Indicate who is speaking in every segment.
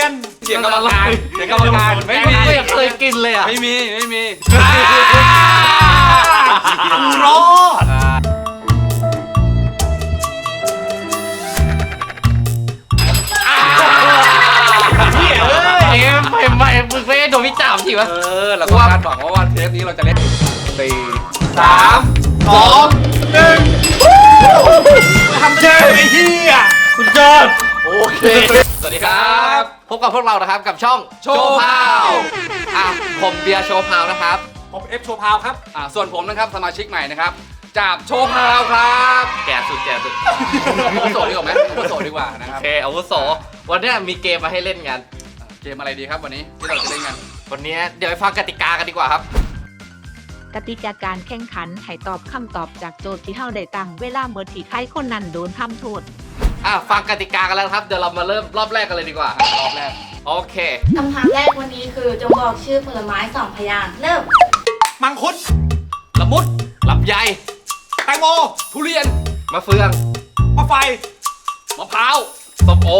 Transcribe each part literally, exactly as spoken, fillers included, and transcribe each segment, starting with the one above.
Speaker 1: ยน
Speaker 2: เสียงกรรมการเสียงกรรมการไม่มี
Speaker 3: ไม่เคยกินเลยอ่ะ
Speaker 2: ไม่มีไม่มี
Speaker 1: รอด
Speaker 3: เอ็มเอ็มเอ็มมึงไม่ได้โดนวิจารณ์ทีวะ
Speaker 2: เออเราก็คาดหวังว่าวันเทปนี้เราจะเล่นสี่สาม
Speaker 1: สองหนึ่งทำเจ๊ไอ้เหี้ยคุณเจิด
Speaker 3: โอเคสวัสดีครับพบกับพวกเรานะครับกับช่องโชว์พาวอ่ะผมเบียร์โชว์พาวนะครับ
Speaker 1: ผมเอฟโชว์พาวครับ
Speaker 2: อ่าส่วนผมนะครับสมาชิกใหม่นะครับจากโชว์พาวครับ
Speaker 3: แก่สุดแก่สุด
Speaker 2: อาวุโสดีกว่าไหมอาวุโสดีกว่านะครับ
Speaker 3: โอเคอาวุโสวันนี้มีเกมมาให้เล่นกัน
Speaker 2: เกมอะไรดีครับวันนี้ที่เราจะเล่นกัน
Speaker 3: วันนี้เดี๋ยวไปฟังกติกากันดีกว่าครับ
Speaker 4: กติกาการแข่งขันให้ตอบคำตอบจากโจทย์ที่เท่าได้ตั้งเวลาเมื่อที่ใครคนนั้นโดนทำโทษ
Speaker 3: อ่ะฟังกติกากันแล้วครับเดี๋ยวเรามาเริ่มรอบแรกกันเลยดีกว่ารอบแรกโอเค
Speaker 5: คำถามแรกวันนี้คือจงบอกชื่อผลไม้สองพยางค์เริ่ม
Speaker 1: มังคุด
Speaker 3: ละมุดลำไย
Speaker 1: แตงโม
Speaker 2: ทุเรียน
Speaker 3: มะเฟือง
Speaker 1: มะไฟ
Speaker 3: มะพร้าวส้มโอ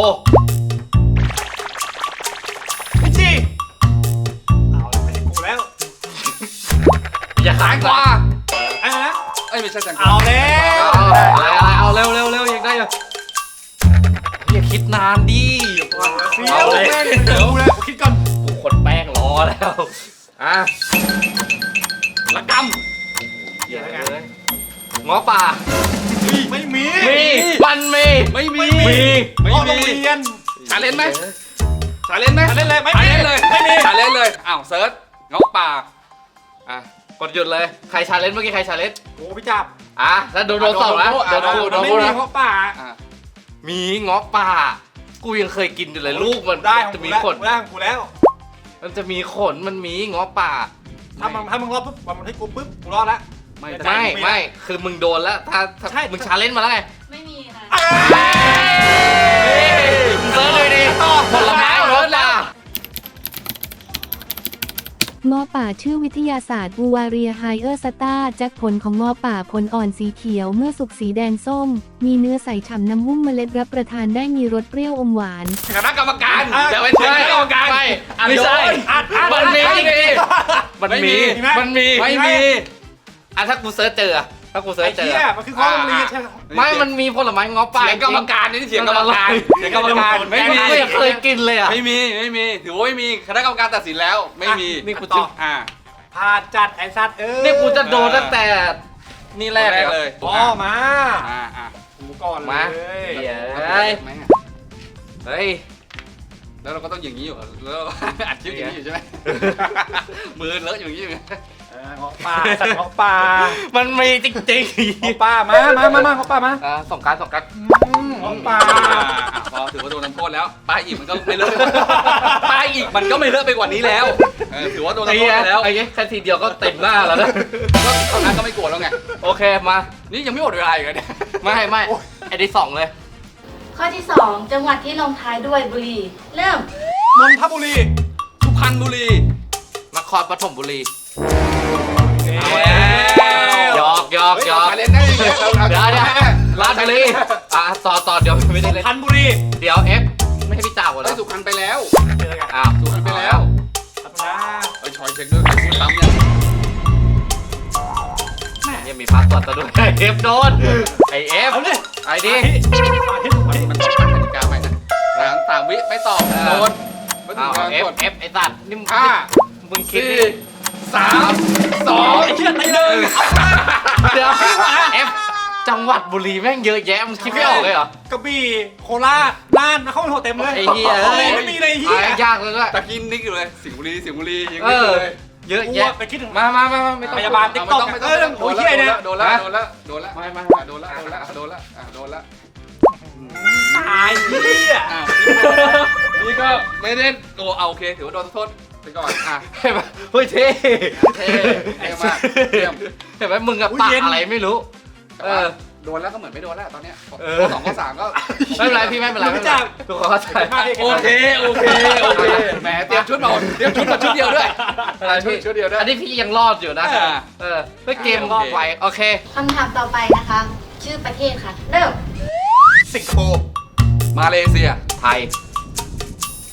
Speaker 1: พิชชี่เอาแล้วไม่ใช่กูแล้ว
Speaker 3: อย่าขายกว่า
Speaker 1: อะไรนะ
Speaker 2: เอ้ยไม่ใช่แตงโม
Speaker 1: เอาแล้ว
Speaker 3: อะไรอะไรเอาเร็วเร็วเร็วยังได้อยู่อย่าคิดนานดิ
Speaker 1: เอาเลยเดี๋ยวกูแล้วคิดก่อน
Speaker 3: บุคคลแป้งรอแล้วอ่ะละกำ
Speaker 1: เดี๋ยวไง
Speaker 3: ง้อป่า
Speaker 1: ไม่มี
Speaker 3: มีมันมี
Speaker 2: ไม่มี
Speaker 1: มี
Speaker 2: ไม่มี
Speaker 1: เรียน
Speaker 2: ชาเลนจ์ไหมชาเลนจ์ไหม
Speaker 1: ชาเลนจ์เลยไม่
Speaker 2: ชาเลนจ์เลย
Speaker 1: ไม่มี
Speaker 2: ชาเลนจ์เลยอ้าวเซิร์ชง้อป่า
Speaker 3: อ่ะกดหยุดเลยใครชาเลนจ์เมื่อกี้ใครชาเลนจ์
Speaker 1: โอ้พี่จับ
Speaker 3: อ่ะแล้วโดนโดนสองแล้วโดนโดนโดน
Speaker 1: ไม่มีเพราะป่า
Speaker 3: มีง้อป่ากูยังเคยกินอยู่เลยลูกมัน
Speaker 1: ได้
Speaker 3: จะมีขน
Speaker 1: ได้ของกูแล้ว
Speaker 3: มันจะมีขนมันมีง้อป่า
Speaker 1: ถ้ามึงถ้ามึงรอดปุ๊บมันให้กูปุ๊บกูรอดละ
Speaker 3: ไม่ไม่ไม่คือมึงโดนแล้วถ้าถ้ามึงชาเลนจ์มาแล้วไง
Speaker 5: ไม่มีค่ะ
Speaker 3: เซิร์ชเลยดิผลไม้รสล่ะ
Speaker 6: งอป่าชื่อวิทยาศาสตร์บูวาเรียไฮเออร์สตาจากผลของงอป่าผลอ่อนสีเขียวเมื่อสุกสีแดงส้มมีเนื้อใสฉ่ำน้ำหุ้มเมล็ดรับประทานได้มีรสเปรี้ยวอมหวาน
Speaker 2: คณะกรรมการเดี๋ยวไปเชิญคณะกรรมการ
Speaker 3: ไม่ไม่ใช่มันมีมันมีมันมี
Speaker 2: ไม่มี
Speaker 3: อ่ะถ้ากูเซิร์ชเจอถ้ากูเซิร์ชเจอ
Speaker 1: มันคือข้อโรงเรียนใช่ไหม
Speaker 3: ไม่มันมีผลไม้ง้อป่า
Speaker 2: เสียงกรรมการนี่เสียงกรรมการเสียงกรรมการไม่มี
Speaker 3: ไม่เคยกินเลยอ่ะ
Speaker 2: ไม่มีไม่มีถือว่าไม่มีคณะกรรมการตัดสินแล้วไม่มี
Speaker 3: นี่กูตอบ
Speaker 2: อ่า
Speaker 1: พาจัดไอ้สัตว์เออ
Speaker 3: นี่กูจะโดนตั้งแต่นี่แรก
Speaker 2: เลย
Speaker 1: พ่อมา
Speaker 2: อ่าอ่า
Speaker 1: กูก่อน
Speaker 3: มาเฮ้ยเฮ้ย
Speaker 2: แล้วเราก็ต้องอย่างนี้อยู่แล้วอัดคลิปอย่างนี้อยู่ใช่ไหมมือเลอะอย่างนี้อยู่
Speaker 1: งอป่าสัตว์งอป่า
Speaker 3: มันมีจริง
Speaker 1: ๆงอป่ามามามามางอป่ามา
Speaker 3: อ่าสองการสองการ
Speaker 1: งอป่า
Speaker 2: พอถือว่าโดนน้ำโทษแล้วป้ายอีกมันก็ไม่เลอะป้ายอีกมันก็ไม่เลอะไปกว่านี้แล้วถือว่าโดนน้ำโทษแล้ว
Speaker 3: ไอ้แค่ทีเดียวก็เต็มหน้าแล้วนะ
Speaker 2: ก็ตอนนั้นก็ไม่กลัวแล้วไง
Speaker 3: โอเคมา
Speaker 2: นี่ยังไม่หมดเวลาอีกเลย
Speaker 3: ไม่ไม่ไอ้ที่สองเลย
Speaker 5: ข้อที่สองจังหวัดที่ลงท้ายด้วยบุรีเริ่ม
Speaker 1: นนทบุรี
Speaker 2: สุพรรณบุรี
Speaker 3: นครปฐมบุรี
Speaker 2: เอาแล้ว
Speaker 3: หยอกหยอกหยอก
Speaker 2: เล่นได้เดี๋ยว
Speaker 3: เดี๋ยวราชบุรีอ่ะต่อต่อเดี๋ยวไม่ได้เล่น
Speaker 1: สุพรรณบุรี
Speaker 3: เดี๋ยวเอฟไม่ให้พี่จ่าก่อนแล้ว
Speaker 2: สุพรรณไปแล้ว
Speaker 3: อ้าว
Speaker 2: สุพรรณไปแล้วไอ้ชอยเช็คด้วยพูดซ้ำ
Speaker 3: เนี่ยยังมีพาสปอร์ตตัวด้วยเอฟโดนไอเอฟไอ้ดิ
Speaker 2: มันต้องตั้งกติกาใหม่นะหลังสามวิไม่ตอบโดน
Speaker 3: อ้าวเอฟเอฟไอ้สัตว์นี่มึง
Speaker 2: ห้า
Speaker 3: มึงคิด
Speaker 2: สามสอง
Speaker 1: ไอ้เชี่ยตีหนึ่ง
Speaker 3: เดี๋ยวเอฟจังหวัดบุรีแม่งเยอะแยะมึงคิดไม่ออกเลยเหรอก
Speaker 1: ระบี่โคราชน่านเข้าไปโหเต็มเลย
Speaker 3: ไอ้เหี้ย
Speaker 1: ไม่มีเลยเหี้ย
Speaker 3: ยากเลยด้วย
Speaker 2: ตะกินนิกอยู่เลยสิงห์บุรีสิงห์บุรียัง
Speaker 3: ไม่เลยเยอะแยะ
Speaker 1: ไปคิดถึง
Speaker 3: มามามาไม่ต้อง
Speaker 1: พยาบาลติ๊กต็อก
Speaker 2: ไม่ต้องโดนแล้วโดนแล้วโดนแล้วโดนแล้ว
Speaker 3: ไม่ไม่
Speaker 2: โดนแล้วโดนแล้วโดนแล้วโดนแล้ว
Speaker 1: ตายเหี้ย
Speaker 2: นี่ก็ไม่ได้โกเอาโอเคถือว่าโดนโทษไปก่อนอ่ะ
Speaker 3: เห็นไหมเฮ้ยเท่
Speaker 2: เท่เท่มากเยี่ยม
Speaker 3: เห็นไหมมึงกับปากอะไรไม่รู้
Speaker 2: เออโดนแล้วก็เหมือนไม่โดนแล้วตอนเนี้ยข้อสองข้อสามก็
Speaker 3: ไม่เป็นไรพี่ไม่เป็นไรไม่เป็นไรถูกเข้าใจ
Speaker 2: โอเคโอเคโอเคแหมเตรียมชุดมาเตรียมชุดมาชุดเดียวด้วย
Speaker 3: อะไรพี่
Speaker 2: ชุดเดียวด้วย
Speaker 3: อันนี้พี่ยังรอดอยู่นะเออเพื่อเกมรอดไวโอเค
Speaker 5: คำถามต่อไปนะคะชื่อประเทศค่ะเริ่ม
Speaker 1: สิงคโปร์
Speaker 2: มาเลเซีย
Speaker 3: ไทย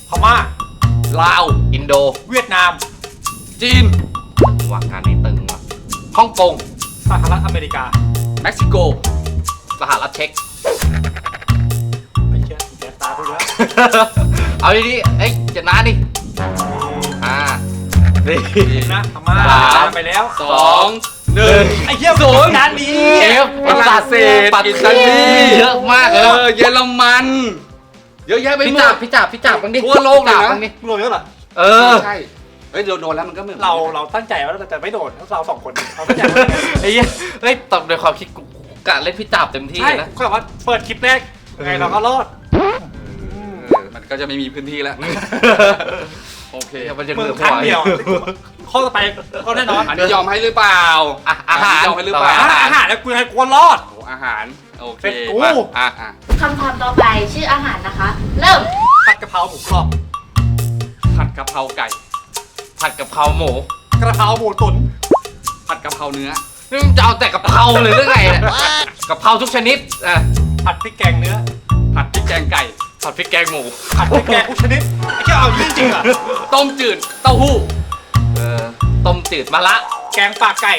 Speaker 1: พม่า
Speaker 2: ลาว
Speaker 3: อินโด
Speaker 1: เวียดนาม
Speaker 2: จีน
Speaker 3: ว่างานนี้ตึงว่ะฮ่องกง
Speaker 1: สหรัฐอเมริกา
Speaker 2: เม็กซิโก
Speaker 3: สหรัฐเช็ก
Speaker 1: ไอ้เชี่ยแกตาพูดแล้ว
Speaker 3: เอาดีๆเอ้ยจะนานดิอ่าดี
Speaker 1: นะพม่า
Speaker 3: สาม
Speaker 1: ไปแล้ว
Speaker 2: สองหนึ่ง
Speaker 1: ไอ้เหี้ย
Speaker 2: ศูนย์
Speaker 1: ด้านนี้
Speaker 3: เอฟ
Speaker 2: ฝรั่งเศส
Speaker 3: ปัต
Speaker 2: อิ
Speaker 3: ตา
Speaker 2: ตาลี
Speaker 3: ลีเยอะมาก
Speaker 2: เอ
Speaker 3: เลย
Speaker 2: อเยอรมัน เยอะแยะไป
Speaker 3: พี่
Speaker 2: หม
Speaker 3: จับ
Speaker 2: ด
Speaker 3: พี่จับพี่จับบ้างดิ
Speaker 2: ทั่วโลกเลยนะ
Speaker 3: พี่จับบ้างดิ
Speaker 1: รวยแล้วเหรอ
Speaker 3: เออ
Speaker 2: ใช่เฮ้ยเราโดนแล้วมันก็เหมือน
Speaker 1: เราเราตั้งใจว่าเราจะไม่โดนเราสองคนเราตั้งใจว่า
Speaker 3: ไอ้เหี้ยเฮ้ยตอบในความคิดกูกูกะเล่นพี่จับเต็มที่
Speaker 1: ใช่
Speaker 3: นะ
Speaker 1: ก็แบบว่าเปิดคลิปแรกยังไงเราก็รอด
Speaker 2: เออมันก็จะไม่มีพื้นที่แล้ว โอเค
Speaker 3: เดี๋ยวมันจะ
Speaker 1: มึ
Speaker 3: เห
Speaker 1: ง
Speaker 3: ลือ
Speaker 1: ครั้ง
Speaker 3: หัว
Speaker 1: เดียวข้อต่อไปเขาแน่นอน
Speaker 2: อันนี้ยอมให้หรือเปล่า
Speaker 3: อ่ะอาหาร
Speaker 2: นนี้ยอมให้หรือเปล่า
Speaker 1: อาหารอาหารแล้วกูให้กวนรอด
Speaker 2: โอ้อาหาร โอเค
Speaker 1: เป็นกู
Speaker 2: มาอ่ะอ่ะ
Speaker 5: คำถามต่อไปชื่ออาหารนะคะ เริ่ม
Speaker 1: ผัดกะเพราหมูกรอบ
Speaker 2: ผัดกะเพราไก่
Speaker 3: ผัดกะเพราหมู
Speaker 1: กระเพราหมูตุ๋น
Speaker 2: ผัดกะเพราเนื้อ
Speaker 3: นี่มึงจะเอาแต่กะเพราเลยหรือไงเนี่ยกะเพราทุกชนิดอ่ะ
Speaker 1: ผัดพริกแกงเนื้อ
Speaker 2: ผัดพริกแกงไก่
Speaker 3: ผัดพริกแกงหมู
Speaker 1: ผัดพริกแกงทุกชนิดไอ้เจ้าเอาจริงจริงๆเหรอ
Speaker 2: ต้มจืด เต้าหู้
Speaker 3: เออต้มจืดมะละ
Speaker 1: แกงปากไก่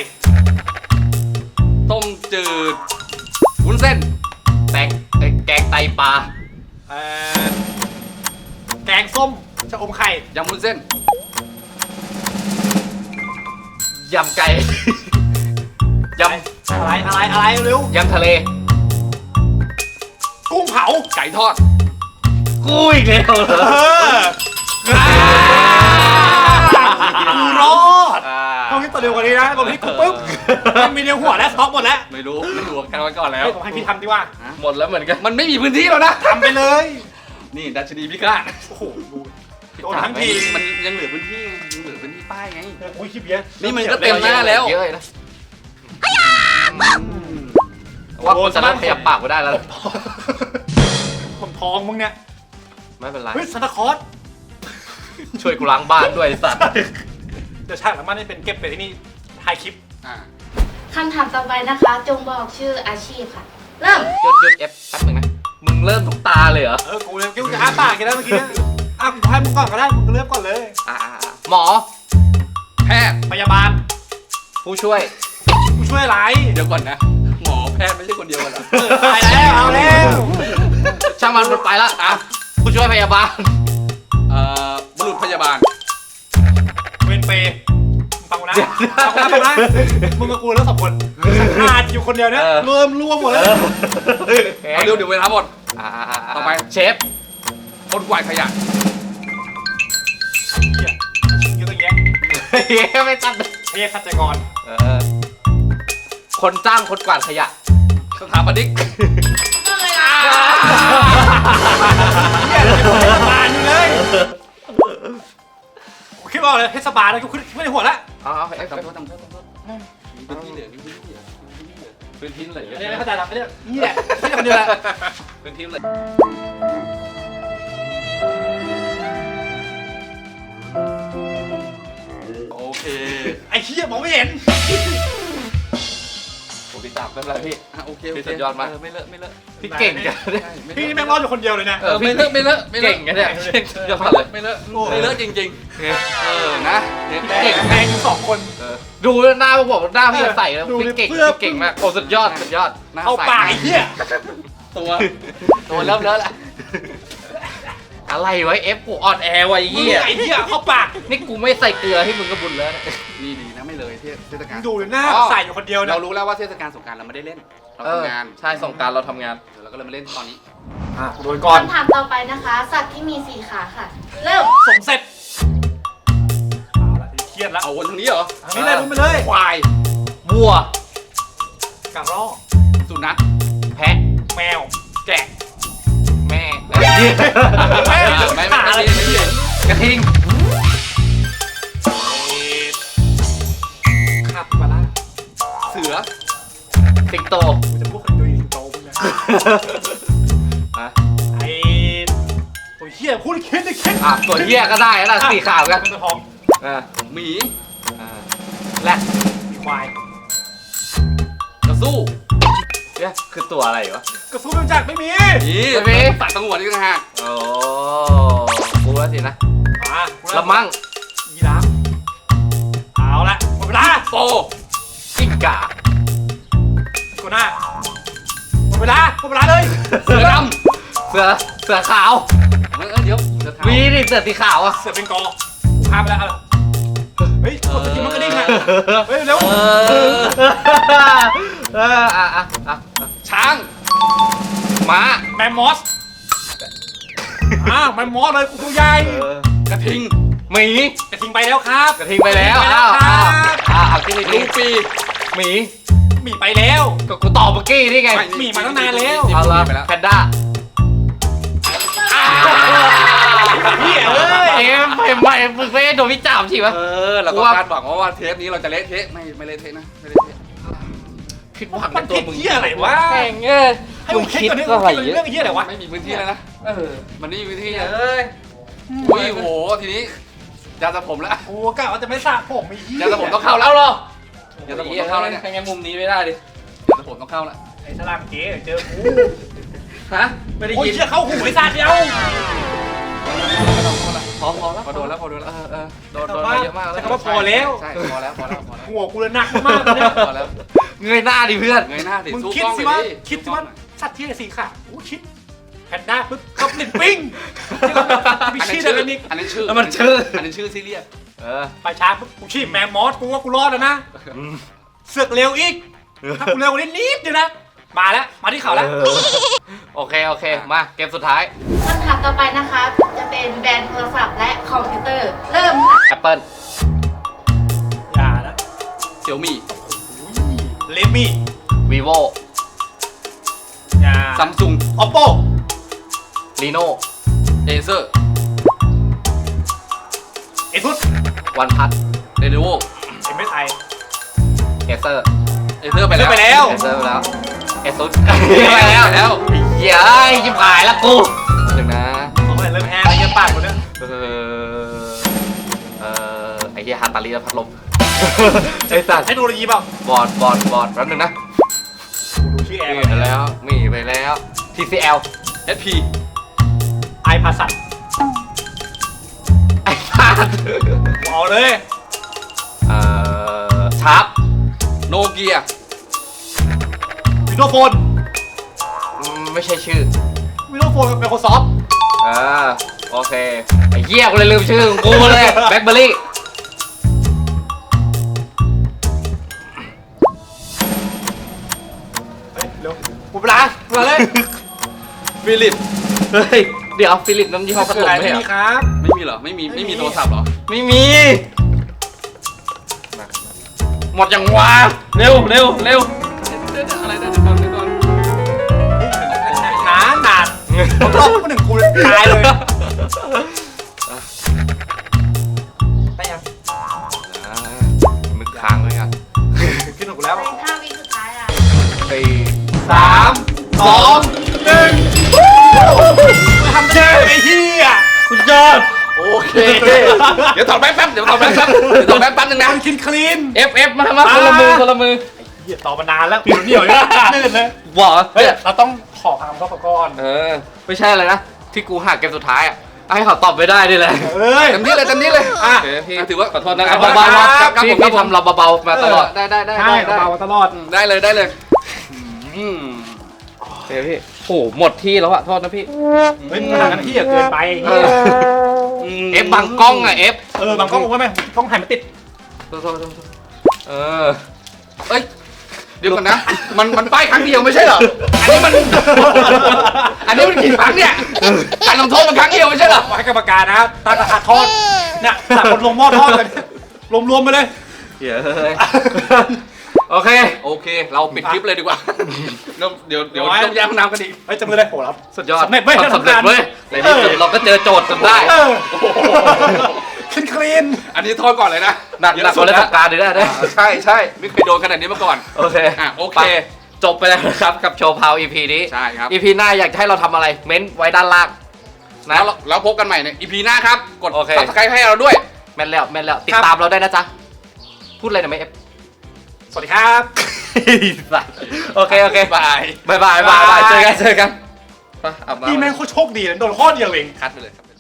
Speaker 2: ต้มจืดวุ้นเส้น
Speaker 3: แตงเอ้ยแกงไตปลา
Speaker 1: เอ่อแกงส้มชะอมไข่
Speaker 2: ยำวุ้นเส้น
Speaker 3: ยำไก่ ย
Speaker 1: อะไรอะไรอะไรเร็ว
Speaker 3: ำยำทะเล
Speaker 1: กุ้งเผา
Speaker 2: ไก่ทอด
Speaker 3: กูอีกแล้วเหร
Speaker 1: เอ
Speaker 3: อ
Speaker 1: อกูรอด
Speaker 3: อ่า
Speaker 1: ต้องคิดตัวเดียวกว่านี้นะตรงที่กูปุ๊บมันมีเดียวหัวแล้วท็อกหมดแล้ว
Speaker 2: ไม่รู้ ไม่รู้กันไว้ก่อนแล้ว
Speaker 1: เฮ้ยผมให้พี่ทำดีกว่า
Speaker 3: หมดแล้วเหมือนกัน
Speaker 2: มันไม่มีพื้นที่แล้วนะ
Speaker 1: ทำไปเลย
Speaker 2: นี่ดัชนีพิฆาต
Speaker 1: โอ้โหดูโดนทั้งที
Speaker 2: มันยังเหลือพื้นที่ไงยังเหลือพื้นที่ป้ายไง
Speaker 1: อุ้ยคลิปเยอะ
Speaker 2: นี่มันก็เต็มหน้าแล้ว
Speaker 3: เยอะเลยนะว่ากูจะเริ่มขยับปากกูได้แล้ว
Speaker 1: ผมทองมึงเนี่ย
Speaker 3: ไม่เป็นไร
Speaker 1: เฮ้ยซานตาคลอส
Speaker 3: ช่วยกูล้างบ้านด้วยไอ้สัตว์
Speaker 1: เดี๋ยวฉากหลังบ้านนี่เป็นเก็บไปที่นี่ถ่ายคลิป
Speaker 2: อ่า
Speaker 5: คำถามต่อไปนะคะ จงบอกชื่ออาชีพค่ะ เริ่ม
Speaker 3: หยุดหยุดเอฟแป๊บนึงนะ มึงเริ่มทุกตาเลยเหรอ
Speaker 1: เออกูเลยกูจะอ้าปากกันแล้วเมื่อกี้อ่ะกูให้มึงก่อนก็ได้มึงเริ่มก่อนเลย
Speaker 3: อ่าอ่าหมอ
Speaker 2: แพทย์
Speaker 1: พยาบาล
Speaker 3: ผู้ช่วย
Speaker 1: กูช่วยอะไร
Speaker 2: เดี๋ยวก่อนนะ หมอแพทย์ไม่ใช่คนเดียวกันเหรอ
Speaker 1: เออตายแล้วเอาแล้ว
Speaker 3: ช่างมันมันไปละอ่ะผู้ช่วยพยาบาล
Speaker 2: เอ่อบุรุษพยาบาล
Speaker 1: เวนเปย์มึงฟังกูนะฟังกูนะฟังนะมึงกับกูแล้วสองคนขาดอยู่คนเดียวเนี่ยรวมรวมหมดแล้ว
Speaker 2: เอาเร็วเดี๋ยวเวลาหมด
Speaker 3: อ่า
Speaker 2: ต่อไป
Speaker 3: เชฟ
Speaker 2: คนกวาดขยะ
Speaker 1: เหี้ยอยู่ตรงเงี้ย
Speaker 3: ไม่ตัด
Speaker 1: เฮียขัดใจกร
Speaker 3: เออคนจ้างคนกวาดขยะ
Speaker 2: สถาปนิก
Speaker 1: เฮียเทศบาลอยู่เลยกูคิดว่าเลยเทศบาลนะกูคิดไม่ในหัวแล้ว
Speaker 3: เอาเอาเอฟ
Speaker 2: ทำโทษทำโทษทำโทษมีพื้นที่เหลือมีพื้นที่เหลือมีพื้นที่เหลือพื้นที่เหลือ
Speaker 1: อันนี้ไม่เข้าใจหรอกอันนี้นี่แหละแค่คนเดียวแหละ
Speaker 2: พื้นที่เหลือโอเค
Speaker 1: ไอ้เฮียมองไม่เห็น
Speaker 3: โอ้พี่จับไม่เป็นไรพี่
Speaker 2: อ่ะโอเคโอ
Speaker 3: พี่
Speaker 2: เค
Speaker 3: สุดยอดมาก
Speaker 2: เไม่เลอะไม่เลอะ
Speaker 3: พี่เก่งจัง
Speaker 2: ใช่ไม่เล
Speaker 1: พี่
Speaker 2: อะ
Speaker 1: นี่แม่งรอดอยู่คนเดียวเลยนะ
Speaker 2: เออไม่เลอะไม่เลอะไม่เลอะ
Speaker 3: เก่งกันเนี่ยเก่งยอดเลย
Speaker 2: ไม่เลอะไม่เลอะจริงๆ เออนะเนี่ย
Speaker 1: เก่งแม่งสองคน
Speaker 2: เออ
Speaker 3: ดูหน้าพวกผมหน้าพี่จะใส่แล้ว
Speaker 1: ดู
Speaker 3: พี่เก่ง
Speaker 1: เสื้อ
Speaker 3: พี่เก่งมากโอ้สุดยอดสุดยอด
Speaker 2: หน้
Speaker 1: เอา
Speaker 2: ใส
Speaker 1: ปากไอ้เหี้ย
Speaker 2: ตัว
Speaker 3: ตัวเริ่มเลอะละอะไรไว้เอฟกูอ่อนแอไว้
Speaker 1: มึง
Speaker 3: เหี้ย
Speaker 1: ไอ้เหี้ยเข้าปาก
Speaker 3: นี่กูไม่ใส่เกลือให้มึงก็บุญแล้วเนี่ย
Speaker 2: นี่ดีนะไม่เลยเทศเทศกาล
Speaker 1: ดูเลยหน้าใส่อยู่คนเดียวนะ
Speaker 2: เรารู้แล้วว่าเทศกาลสงกรานต์เราไม่ได้เล่น เรา
Speaker 3: เออ
Speaker 2: ทำงาน
Speaker 3: ใช่ส่งกรารเราทำงาน
Speaker 2: เดี๋ยวเราก็เลยมาเล่นตอนนี้
Speaker 1: อ่ะโดนก่อน
Speaker 5: คำถามต่อไปนะคะ สัตว์ที่มีสี่ขาค่ะ เริ่ม
Speaker 1: สมเสร็จเอาละเครียดแล้ว
Speaker 2: เอาวนทางนี้เหรอ
Speaker 1: ทางนี้เลยมึงไปเลย
Speaker 2: ควาย
Speaker 3: วัว
Speaker 1: กระรอก
Speaker 2: สุนัข
Speaker 3: แพะ
Speaker 1: แมว
Speaker 2: แกะ
Speaker 3: แม่
Speaker 1: แม่
Speaker 2: ไม่ไม่ไม่ไม่ไม่ไม่
Speaker 3: กระทิง
Speaker 1: ขับมาละ
Speaker 2: เสือ
Speaker 3: สิงโต
Speaker 1: กูจะพูดคนดูสิงโตมึงนะ
Speaker 3: อ่ะ
Speaker 1: ไอ้ตัวเหี้ยพูดคิดได้คิด
Speaker 3: อ่ะตัวเหี้ยก็ได้แล้วสี่ขาเหมือนกัน
Speaker 1: มันจะท้อง
Speaker 3: อ่ะ
Speaker 2: หมี
Speaker 3: อ่ะแรด
Speaker 1: มีควาย
Speaker 2: กระสู้
Speaker 3: เนี่ยคือตัวอะไรวะ
Speaker 1: กระสู้ไม่รู้จักไม่มี
Speaker 2: นี่
Speaker 3: ไม่มี
Speaker 2: สัตว์สงวนอีกต่างหาก
Speaker 3: โอ้กูว่าสินะ
Speaker 1: มา
Speaker 3: ละมั่ง
Speaker 1: ยีราฟเอาละหมดเวลา
Speaker 2: โป
Speaker 3: กิ้งก่า
Speaker 1: กูหน้าหมดเวลาหมดเวลาเลย
Speaker 2: เสือด
Speaker 3: เสือเสือขาว
Speaker 2: ำเออเดี๋ยวเสือขาว
Speaker 3: วีดิเสือสีขาวอ่ะ
Speaker 1: เสือเป็นกอกูข้ามไปแล้วเอาเฮ้ยกดสกิลมันกระดิ่งอะเฮ้ยเร็ว
Speaker 3: เออเอออ่ะอ่ะอ่ะ
Speaker 2: ช้าง
Speaker 3: ม้า
Speaker 1: แมมมอสอ้าวแมมมอสเลยกูตัวใหญ่
Speaker 3: เออก
Speaker 2: ระทิง
Speaker 3: หมี
Speaker 1: กระทิงไปแล้วครับ
Speaker 3: กระทิงไปแล้ว
Speaker 1: กระทิง
Speaker 3: อ้าว
Speaker 1: ไป
Speaker 3: อ้าว
Speaker 1: แล้วครับ
Speaker 3: อ้าวเอาที่นี่
Speaker 2: ลูปี
Speaker 3: หมี
Speaker 1: หมีไปแล้ว
Speaker 3: ก็กูตอบเมื่อกี้นี่ไง
Speaker 2: ไม่
Speaker 1: หมีมาตั้งนานแล้ว
Speaker 3: เอาละ
Speaker 2: ไปแล้ว
Speaker 3: แพนด้า
Speaker 1: เฮียเอ้ย
Speaker 3: เอ็มเอ็มไม่มึงไม่ได้โดนวิจารณ์ใช่ไหม
Speaker 2: เออเราก็
Speaker 3: ว่า
Speaker 2: คาดหวังว่าว่าเทปนี้เราจะเละเทะไม่ไม่เละเทะนะไม่เละเทะ
Speaker 3: ผิดหวัง
Speaker 1: มั
Speaker 3: ใน
Speaker 1: น
Speaker 3: ตัว
Speaker 1: ผิด
Speaker 3: มึง
Speaker 1: เฮียอะไรวะ
Speaker 3: แม่งเอ้ย
Speaker 1: ให้มึงคิดก่อนดิ
Speaker 3: มึงคิดอะไร
Speaker 1: เรื่องเฮียอะไรวะ
Speaker 2: ไม่มีพื้นที่แล้วนะ
Speaker 3: เออ
Speaker 2: มันไม่มีพื้นที่
Speaker 3: เอ้ย
Speaker 2: อุ้ยโหทีนี้ยาสระผมแล้ว
Speaker 1: โอ้กะว่าจะไม่สระผมไอ้เฮีย
Speaker 2: ยาสระผมต้องเข้าแล้
Speaker 3: เอา
Speaker 2: ว
Speaker 3: เหรอย
Speaker 2: าสระผมต้องเข้าแล้วเนี่ย
Speaker 3: ให้งั้นมุมนี้ไม่ได้ดิ
Speaker 2: ยาสระผมต้องเข้าแล้ว
Speaker 1: ไอ้สลามเก๋เจอกู
Speaker 3: ฮะไม่ได้
Speaker 1: โอ้ย
Speaker 3: ยิน
Speaker 1: เฮียเข้าหูไอ้สัตว์เดียว
Speaker 3: พอพอแล้ว
Speaker 2: พอโดนแล้วพอโดนแล้ว
Speaker 3: เออเออโดนโดนมาเยอะมากแล้ว
Speaker 1: ใช้คำว่าพอแล้ว
Speaker 2: ใช่พอแล้วพอแล้วพอแล้ว
Speaker 1: หัวกูเลยหนักมากเลยเนี่ย
Speaker 2: พอแล้ว
Speaker 3: เงยหน้าดิเพื่อน
Speaker 2: เงยหน้าดิ
Speaker 1: มึง
Speaker 2: สู้
Speaker 1: คิด
Speaker 2: กล้อง
Speaker 1: สิ
Speaker 2: หน่
Speaker 1: ว่า
Speaker 2: อยดิ
Speaker 1: คิดสิ
Speaker 2: สู้กล้
Speaker 1: ว่า
Speaker 2: องหน่อย
Speaker 1: สัตว์ที่สีขาอู้คิดแพนด้าปุ๊บก็ลิ้นปิ้งมี
Speaker 2: อันนั้
Speaker 1: ชื่
Speaker 2: น
Speaker 1: อ
Speaker 2: ชื่อ
Speaker 1: อะไรนี่
Speaker 2: อันนั้นชื่อ
Speaker 3: แล้วมันชื่อ
Speaker 2: อันนั้นชื่อซีเรียส
Speaker 3: เออ
Speaker 1: ไปช้าปุ๊บกูชีพแมมมอสกูว่ากูรอดแล้วนะเสือกเร็วอีกถ้ากูเร็วกว่านี้นิดเดียวนะมาแล้วมาที่เขาแล้ว
Speaker 3: เออโอเคโอเคมาเกมสุดท้าย
Speaker 5: คำถามต่อไปนะคะ จะเป็นแบรนด์โทรศัพท์และคอมพิวเตอร์ เริ่มค่ะ
Speaker 3: Apple
Speaker 1: อย่านะ
Speaker 2: เสี่ยวมี่
Speaker 1: เลมี่
Speaker 3: Vivo
Speaker 1: อย่า
Speaker 2: ซัมซุง
Speaker 1: ออปโป
Speaker 3: Reno
Speaker 2: เอเซอร์
Speaker 1: เอซุส
Speaker 3: OnePlus
Speaker 2: เรโนโว
Speaker 1: เอ็มเอสไอ
Speaker 3: Acer
Speaker 2: เอเซอร์ไปแล้ว
Speaker 1: ไปแล้ว
Speaker 3: Acer ไปแล้ว Asus
Speaker 2: ไปแล้วไปแล้ว
Speaker 3: เหี้ยยิบหายแล้วกูหนึ่งนะ
Speaker 1: โอ้ยเริ่มแห้งแล้วเหี้ยปากกูเนี่ย
Speaker 3: เออเออไอ้เหี้ยฮาตาลีและพัดลมไอ้สัตว์
Speaker 1: เทคโนโลยีเปล่า
Speaker 3: บอร์ดบอร์ดบอร์ดแป๊บนึงนะ
Speaker 1: กูดูชื่อแอ
Speaker 3: มี
Speaker 1: ร์
Speaker 3: ไปแล้วมีไปแล้ว ที ซี แอล
Speaker 2: เอสพี
Speaker 1: ไอพาสัต
Speaker 3: ไอ้สัตว์
Speaker 1: เอาเลย
Speaker 3: เอ่อชาร์ป
Speaker 2: โนเกีย
Speaker 1: วิดีโอโฟน
Speaker 3: อืมไม่ใช่ชื่อ
Speaker 1: วิดีโอโฟนกับ Microsoft
Speaker 3: เออโอเคไอ้เหี้ยกูเลยลืมชื่อของกูเลยแบล็คเบอร์รี่
Speaker 1: เฮ้ยเร็วกูเวลาเวลาเลย
Speaker 2: ฟิลิป
Speaker 3: เฮ้ยเดี๋ยวฟิลิปน้ำยี่ห้อพัดลม
Speaker 1: อะไร
Speaker 3: ไม่
Speaker 1: ไม่
Speaker 3: ใช่เหร
Speaker 1: มี
Speaker 3: อ
Speaker 1: ครับ
Speaker 2: ไม่มีเหรอไม่มีไม่มีโทรศัพท์เหรอ
Speaker 3: ไม่มีหมดยังวะเร็วเร็วเร็ว
Speaker 2: เดี๋ยวๆอะไรนะเดี๋ยวก่อนเดี๋ยวก่อน
Speaker 1: หนานานผมรอบมาหนึ่งกูตายเลยได้ยัง
Speaker 3: อ่ามึกค้างไว้กัน
Speaker 1: ขึ้นของกูแล้ว
Speaker 5: เป็นห้าวิสุดท้ายอ่ะ
Speaker 3: สี่
Speaker 1: สามสองหนึ่งทำเช่ไอ้เหี้ย
Speaker 3: คุณยอดโอเค
Speaker 2: เดี๋ยวถอดแป๊บแป๊บเดี๋ยวถอดแป๊บแป๊บเดี๋ยวถอดแป๊บแป๊บนึงนะ
Speaker 1: มันคินคลีน
Speaker 3: เอฟเอฟมามาคนละมือคนละมือ
Speaker 1: เหี้ยต่อมานานแล้วผิวเหนียวเนี่ยนื่นเลย
Speaker 3: บอก
Speaker 1: เฮ้
Speaker 3: เฮ้
Speaker 1: ย
Speaker 3: ย
Speaker 1: เราต้องขอคำเข้าประก่อน
Speaker 3: เออไม่ใช่อะไรนะที่กูหาเกมสุดท้ายอ่ะให้เขาตอบไม่ได้ด้วยแหละ
Speaker 1: เอ้ย
Speaker 2: เต็มที่เลยเต็มที่เลย
Speaker 1: อ่ะ
Speaker 3: โอเคพี่
Speaker 2: อ่ะถือว่าขอโทษนะค
Speaker 3: เอา
Speaker 2: รับ
Speaker 3: เบาๆ
Speaker 1: ครั
Speaker 3: นะ
Speaker 1: บ
Speaker 3: พี่พี่ทำเราเบาๆมาตลอดได้ได้ได้
Speaker 1: ใช่
Speaker 3: ได้
Speaker 1: เบาๆตลอด
Speaker 2: ได้เลยได้เลย
Speaker 3: อืมโอเคพี่โอ้โหหมดที่แล้วอะโทษนะพี่
Speaker 1: เฮ้ยมึงห่างกันที่อย่าเกินไป
Speaker 3: เออ เอฟบังกล้องอะเอฟ
Speaker 1: เออบางกล้องบอกว่าไหมกล้องถ่ายไม่ติด
Speaker 3: โทษโทษโทษโทษเออ
Speaker 2: เอ้ยเดี๋ยวก่อนนะ มันมันป้ายครั้งเดียวไม่ใช่เหรออันนี้มันอันนี้มันกี่ครั้งเนี่ยการลงโทษมันครั้งเดียวไม่ใช่เหรอ
Speaker 1: ให้กรรมการนะตั้งราคาทอดเนี่ยตักคนลงหม้อทอดกันรวมๆไปเลย
Speaker 3: เดี๋ยวเฮ้ยโอเค
Speaker 2: โอเค เราปิดคลิปเลยดีกว่าเดี๋ยวเดี๋ยวเดี๋ยว
Speaker 1: ร้อย
Speaker 2: ต้องแย่งห้องน้ำกันอีก
Speaker 1: เฮ้ยจำเลยเลยโหรับ
Speaker 3: สุดยอด
Speaker 1: สำเร็จเว้ย
Speaker 3: สำเร็จเว้ยในที่สุดเราก็เจอโจทย์จนได้
Speaker 1: เออคินคลีน
Speaker 2: อันนี้โทษก่อนเลยนะ
Speaker 3: หนักหนักกว่าเล่นสงกรารดีได้ได้
Speaker 2: อ่าใช่ใช่ไม่เคยโดนขนาดนี้มาก่อน
Speaker 3: โอเค
Speaker 2: อ่ะโอเค
Speaker 3: ไปจบไปแล้วนะครับกับโชว์พาว อี พี นี้
Speaker 2: ใช่ครับ
Speaker 3: อี พี หน้าอยากจะให้เราทำอะไรเม้นต์ไว้ด้านล่างนะ
Speaker 2: แล้วเราแล้วพบกันใหม่ใน อี พี หน้าครับ กด
Speaker 3: โอเค
Speaker 2: ซับสไครต์ให้เราด้วย
Speaker 3: แม่นแล้วแม่นแล้วติดตามเราได้นะจ๊ะพูดอะไรหน่อยไหมเอฟ
Speaker 1: สวัสดีครับ
Speaker 3: โอเคโอเค
Speaker 2: บาย
Speaker 3: บายบายบายบายเจอกันเจอกันไปอาบน้ำ
Speaker 1: พี่แม่งโคตรโชคดีนะโดนข้อเดียวเอง
Speaker 2: คัดไปเลยครับ